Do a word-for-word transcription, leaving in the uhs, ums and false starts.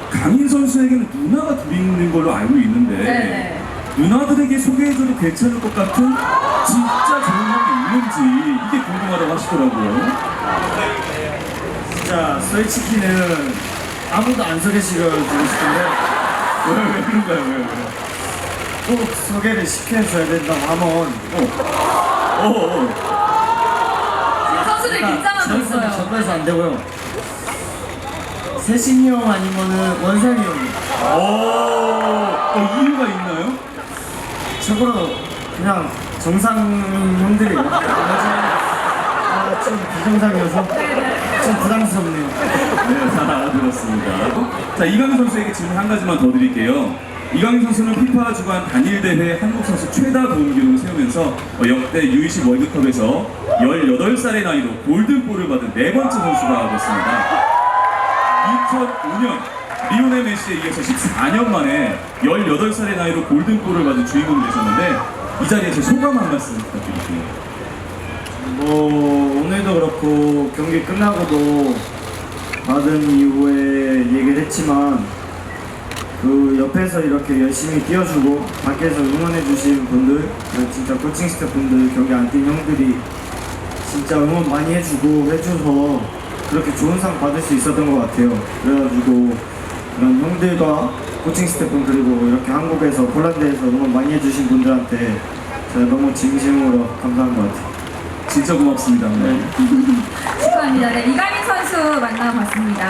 강인 선수에게는 누나가 둘이 있는 걸로 알고 있는데 네네. 누나들에게 소개해줘도 괜찮을 것 같은 진짜 좋은 형이 있는지 이게 궁금하다고 하시더라고요. 진짜 솔직히는 아무도 안 소개시켜주고 싶은데 왜, 왜 그런가요? 왜, 왜? 꼭 소개를 시켜줘야 된다고 하면 어, 어. 선수들 긴장하고 있어요. 전부에서 안 되고요. 세신이 형 아니면은 원상이 형이 오, 어, 이유가 있나요? 참고로 그냥 정상 형들이에요. 아, 좀 비정상이어서 좀 부담스럽네요. 네, 잘 알아들었습니다. 자, 이강인 선수에게 질문 한 가지만 더 드릴게요. 이강인 선수는 피파 주관 단일 대회 한국 선수 최다 도움 기록을 세우면서 어, 역대 유이십 월드컵에서 열여덟 살의 나이로 골든볼을 받은 네 번째 선수가 됐습니다. 이천오 년 리오넬 메시에 이어서 십사 년 만에 열여덟 살의 나이로 골든볼을 받은 주인공이 되셨는데 이 자리에서 소감 한 말씀 부탁드릴게요. 뭐 오늘도 그렇고 경기 끝나고도 받은 이후에 얘기를 했지만 그 옆에서 이렇게 열심히 뛰어주고 밖에서 응원해주신 분들 그리고 진짜 코칭 스태프분들 경기 안 뛴 형들이 진짜 응원 많이 해주고 해줘서 그렇게 좋은 상 받을 수 있었던 것 같아요. 그래가지고 그런 형들과 코칭 스태프 그리고 이렇게 한국에서 폴란드에서 응원 많이 해주신 분들한테 제가 너무 진심으로 감사한 것 같아요. 진짜 고맙습니다. 네. 축하합니다. 네, 이강인 선수 만나봤습니다.